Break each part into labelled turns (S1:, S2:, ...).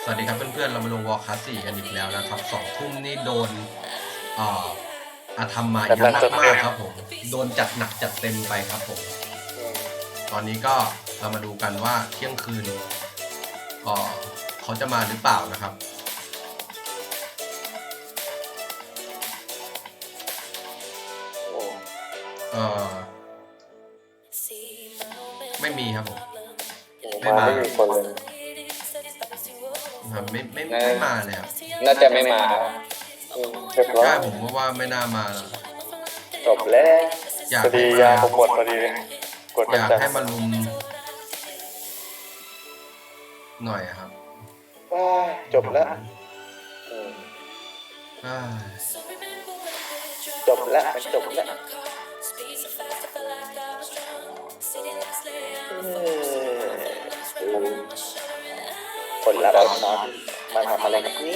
S1: สวัสดีครับเพื่อนๆเรามาลงวอร์คลาส4กันอีกแล้วนะครับ2 ทุ่มนี่โดนอาธรรมมาเยอะมากๆครับผมโดนจัดหนักจัดเต็มไปครับผมตอนนี้ก็เรามาดูกันว่าเที่ยงคืนเขาจะมาหรือเปล่านะครับไม่มีครับผมไม่มา
S2: ไม่มีคนเลย
S1: ไม่มาเลยครับ
S3: น่าจะไม่มา
S2: เรียบร้อย
S1: ใช่ผมว่าไม่น่ามาแล้ว
S3: จบแล้ว
S2: พอดียาผมหมดพอดีกด
S1: อยากให้มาลุมหน่อยครับ
S2: จบแล้วจบแล้วมันจบแล้วคนละแบบนอนมาทำอะไรกับนี้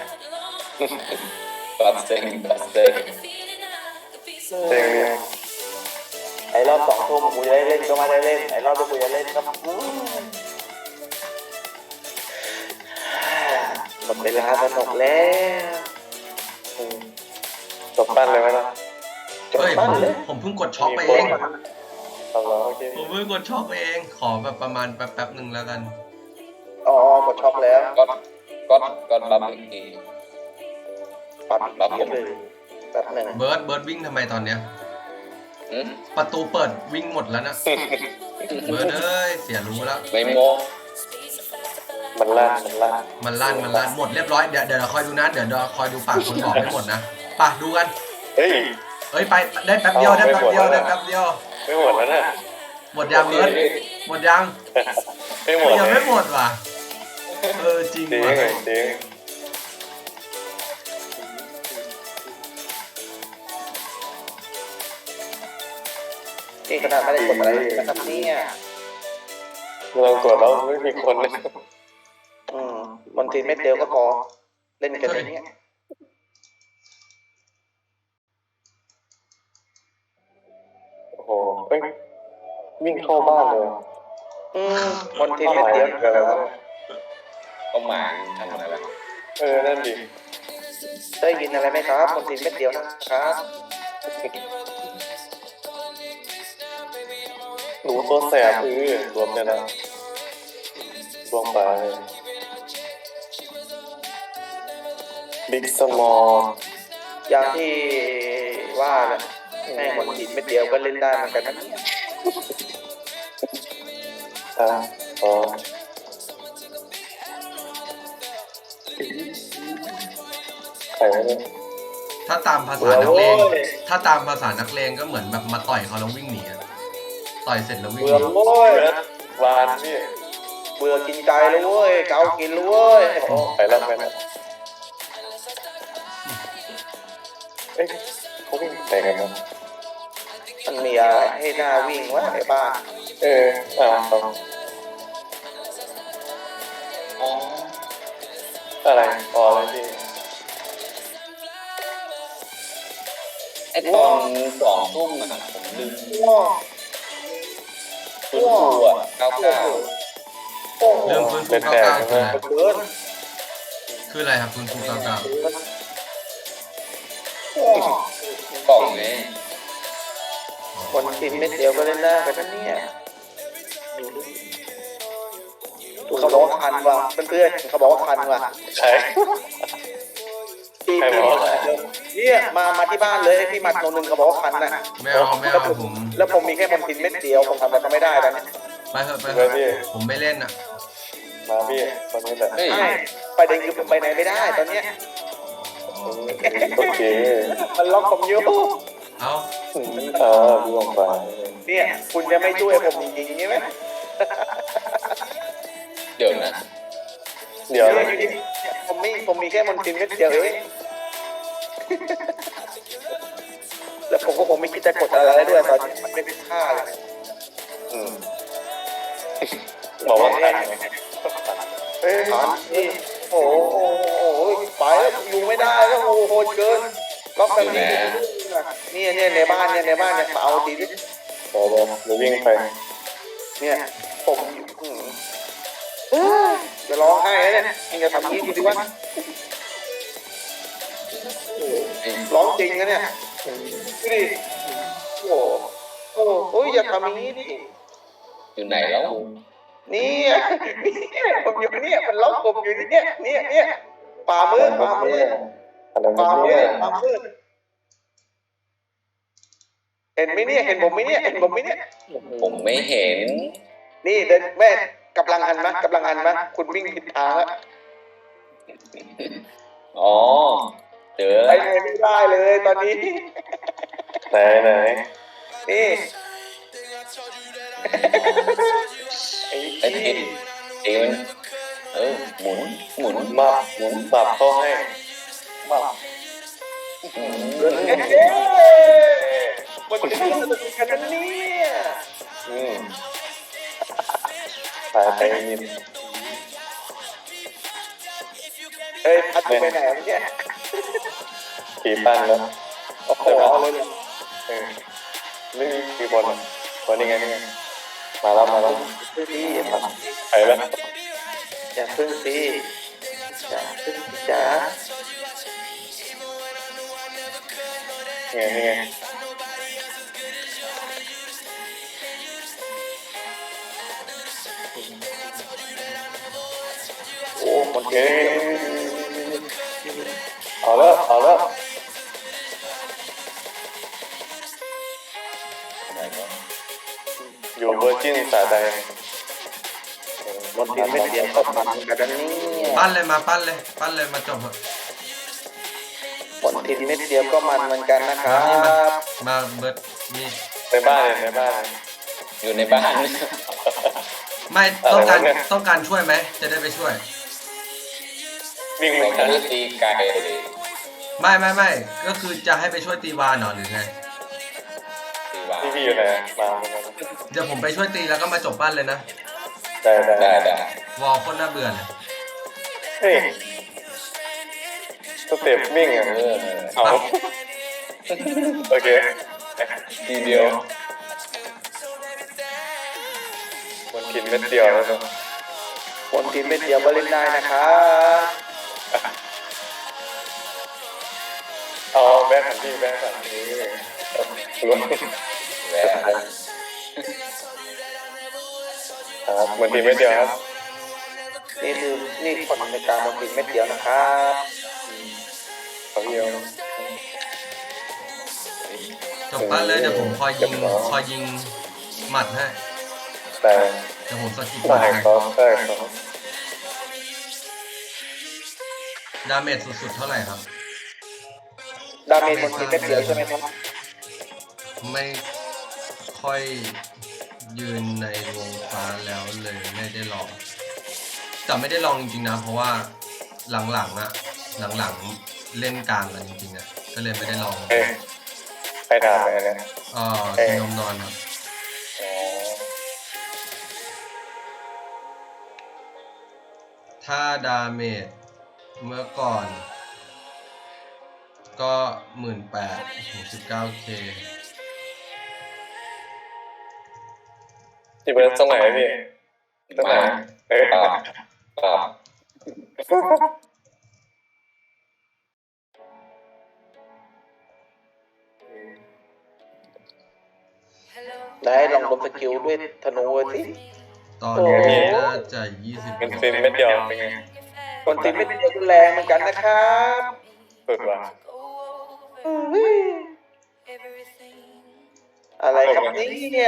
S3: บัสเซ็ง
S2: ไอ้รอบ2 ทุ่มกูจะได้เล่นก็ไม่ได้เล่นไอ้รอบที่กูจะเล่นก็หมดเวลาสนุกแล้วจบปั้นเลยไหมล่ะจบ
S1: เฮ้ย
S2: ปั้นเลย
S1: ผมเพิ่งกดช็อกไปเอง
S2: โอเค
S1: ผมเพิ่งกดช็อกไปเองขอแบบประมาณแป๊บหนึ่งแล้วกัน
S2: อ๋อหมดช็อกแล้ว
S3: ก็บัฟอีกที
S2: ปัดเลยแป๊บหนึ่ง
S1: เบิร์ดวิ่งทำไมตอนเนี้ยประตูเปิดวิ่งหมดแล้วนะเบิร์ดเอ้ยเสียรู้แล้ว
S3: ไม่โม
S2: มันลั่น
S1: หมดเรียบร้อยเดี๋ยวเราคอยดูนะเดี๋ยวเราคอยดูปากคนบอกไม่หมดนะป่ะดูกันเฮ้ยไปได้แป๊บเดียว
S2: ไม่หมดแล้วนะ
S1: หมดยังเบิร์ดหมดยัง
S2: ไม่หมด
S1: ยังไม่หมดว่ะจริงว่ะ
S2: นี่ขนาดไม่ได้กดอะไรนะครับเนี่ยเรากดแล้วไม่มีคนเลยบางทีเม็ดเดียวก็พอเล่นกันอย่างเงี้ยโอ้โหวิ่งเข้าบ้านเลยบางทีเม็ดเดียวอะไรวะ
S3: ก็มาทำอะไรล่ะ
S2: นั่นดิได้ยินอะไรไหมครับบางทีเม็ดเดียวนะครับหนูตัวแสบรวมเนี่ยนะรวมไปบิ๊กสมอลอย่างที่ว่าแหละแม่หมดจิตเม็ดเดียวก็เล่นได้เหมือนกันนะใครเนี่ย
S1: ถ้าตามภาษานักเลงก็เหมือนแบบมาต่อยเขาแล้ววิ่งหนีต่อยเสร็จแล้ววิ่งหนี
S2: โอ้ยวานพี่เบื่อกินใจเลยเว้ยเกากินเลยเว้ยไปแล้วเขาวิ่งแต่กันมั้งมันมีอะไรให้หน้าวิ่งวะในบ้านอะไรอะไรพี่
S3: ไอ้ตอน2 ทุ่มนะผมลืมฟื้นฟู99
S1: เรื่องฟื้นฟู99คืออะไรครับฟื้นฟู99
S3: กล่องไง
S2: คนกินเม็ดเดียวก็เล่นได้กันเนี่ยเขาบอกว่าคันว่ะเพื่อนๆเขาบอกว่าคันว่ะใช่เนี่ยมาที่บ้านเลยพี่มัด1เขาบอกว่าคันนะ
S1: ไม่เอาผม
S2: แล้วผมมีแค่บอลทินเม็ดเดียวผมทำอะไรก็ไม่ได้ตอนนี้
S1: ไปเถอะผมไม่เล่นอ่ะ
S2: มาพี่ตอนนี้แหละไปเด็กคือผมไปไหนไม่ได้ตอนเนี้ยโอเคมันล็อกผมอยู่รวมไปเนี่ยคุณจะไม่ช่วยผมจริงๆใช่ไหม
S3: เดี๋ยวนะ
S2: ผมมีแค่บอลทินเม็ดเดียวเองแล้วผมก็คงไม่คิดจะกดอะไรด้วยตอนนี้มันไม่เป็นค่าเลยบอกว่าทันนี่โอ้โหไปแล้วอยู่ไม่ได้แล้วโอ้โหเกินล็อกแบบนี้เนี่ยในบ้านเนี่ยมาเอาดีดิโอ้โหเดี๋ยววิ่งไปเนี่ยผมจะร้องไห้เนี่ยมึงจะทำงี้กูดิวะร้องจริงนะเนี่ยดูดิโอ้โหโอ้ยอย่าทำอย่างนี้ดิ
S3: อยู่ไหนแล้ว
S2: นี่ผมอยู่เนี่ยมันล็อกผมอยู่เนี่ยป่ามืด
S4: อะไรเนี่ย
S2: เห็นไหมเนี่ยเห็นผมไหมเนี่ย
S3: ผมไม่เห็น
S2: นี่เดินแม่กำลังหันมาคุณวิ่งผิดทางแล้ว
S3: อ๋อเจอ
S2: ไปไหนไม่ได้เลยตอนนี้
S4: ไหน
S2: นี่
S3: ไอ้ทีเองหมุน
S4: มาปรับเข้าให้มา
S2: มันจะสนุกกันนะเนี่ย
S4: ไปยิน
S2: เอ้ยพัดไปไหนเนี่ย
S4: ขี่ปั้นแล้ว
S2: โอ้โหเลย
S4: ไม่มีกี่คนคนนี้ไงมาแล้ว
S2: พี่
S4: ไปแล้ว
S2: อย่าพึ่งสิอย่าพึ่งจ้า
S4: นี่ไง
S2: โอ้คน
S4: เฮ้
S2: เก่ง
S4: เอาแล้วอยู่เวอร์จินสาใด
S2: คนทีมไม่เดียวก็มันกันนะเนี่ย
S1: ปั้นเลยมาจบเถอะ
S2: คนทีมไม่เดียวก็มันเหมือนกันนะครับ
S1: มาเบิร์ดนี่
S4: ในบ้าน
S3: อยู่ในบ้าน
S1: ไม่ต้องการช่วยไหมจะได้ไปช่วย
S4: วิ่ง
S3: เรา
S4: ไป
S3: จะได้ตีไก่เลย
S1: ไม่ก็คือจะให้ไปช่วยตีวานเหรอหรือไง
S3: ตีวาง
S4: พี่อยู่ไหนมา
S1: เดี๋ยวผมไปช่วยตีแล้วก็มาจบปั้นเลยนะ
S4: ได้
S3: ได้
S1: วอลคนน่าเบื่อเลย
S4: เฮ้ยสเต็ปวิ่งอ่ะเอาโอเค
S3: ทีเดียว
S4: มันกินเม็ดเดียวแล้ว
S2: คนทีมไม่เดียวก็เล่นได้นะครับ
S4: เอาแบงค์หันที่รวม
S3: แหวน
S4: ครับเหมือนทีมเม็ดเดียวครับ
S2: นี่คนในการคนทีมไม่เดียวนะครับ
S4: เขาเดียว
S1: จบปั้นเลยเดี๋ยวผมคอยยิงหมัดให้
S4: แต่
S1: เดี๋ยวผมสกิป
S4: ได้
S1: ให้
S4: เขาได้
S1: ดาเมจสุดๆเท่าไหร่ครับ
S2: ดาเมจคนทีมไม่เดียวใช่ไหมครับ
S1: ไม่ค่อยยืนในวงฟ้าแล้วเลยไม่ได้ลองแต่ไม่ได้ลองจริงๆนะเพราะว่าหลังเล่นกลางกันจริงๆอ่ะก็เลยไม่ได้ลอง
S4: ใครด่าไปเนี่ย
S1: กินนมนอนครับ ถ้าดาเมจเมื่อก่อน ก็ 18,000 19K
S4: ที่เป็นตรงไหนพี่ตรงไหน
S3: ปรับ
S2: ได้ลองลงสกิลด้วยธนูสิ
S1: ตอนนี้น่าจะ
S4: เป็นฟิล์มเม็ดเดียวเป็นไง
S2: คนทีมไม่เดียวก็แรงเหมือนกันนะครับ
S4: สุดว่ะ
S2: อะไรครับเนี่ย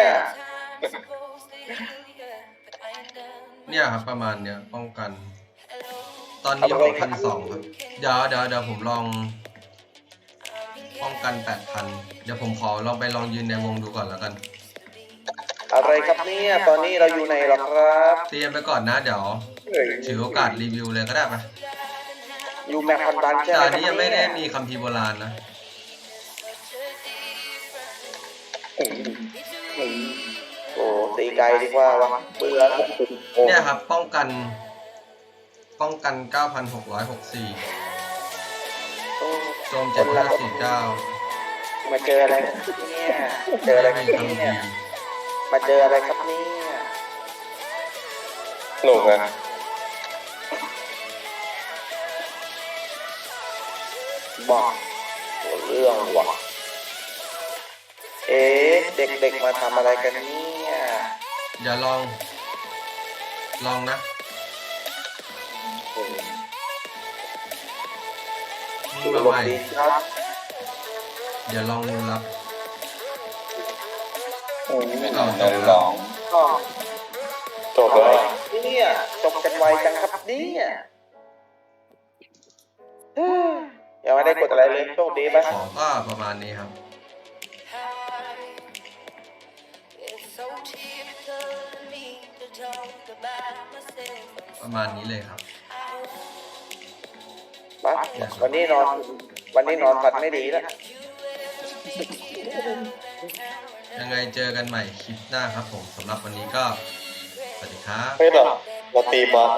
S1: เนี่ยครับประมาณเนี้ยป้องกัน ตอนนี้ผม1,200ครับเดี๋ยวผมลองป้องกัน 8,000 เดี๋ยวผมขอลองไปลองยืนในวงดูก่อนแล้วกัน
S2: อะไรครับเนี่ยตอนนี้เราอยู่ในหรอครับ
S1: เตรียมไปก่อนนะเดี๋ยวถือโอกาสรีวิวเลยก็ได้ปะ
S2: อยู่แมปพันดันใช่
S1: แต่
S2: ไหม
S1: อันนี้ยังไม่ได้มีคัมภีร์โบราณนะ
S2: โอ้ตีไกลดีกว่าวะเบื่อ
S1: เนี่ยครับป้องกัน 9,664 โจม 7549
S2: มาเจออะไรเนี่ยเจออะไรครับ
S1: คัม
S2: เนี่ย
S1: ภีร์
S2: มาเจออะไรครับเนี่ย
S4: หนุกนะ
S2: บอกเรื่องว่ะเอ๊ะเด็กๆมาทำอะไรกันเนี่ย
S1: อย่าลองนะ
S2: ดู
S1: มา
S2: ล
S1: ให
S2: ม
S1: ม่
S2: ดีครับ
S1: อย่าลองรับ
S3: เดินลอง
S2: ก็
S4: จบแล้ว
S2: เนี่ยจบกันไวจังครับเนี่ยยังไม่ได้กดอะไรเลยโชคดีไหม
S1: ของก็ประมาณนี้ครับ ประมาณนี้เลยครับ
S2: ไปวันนี้นอนฝันไม่ดีแล้ว
S1: ยังไงเจอกันใหม่คลิปหน้าครับผมสำหรับวันนี้ก็ สวัสดีครับ
S4: เฮ้ยเราตีบอส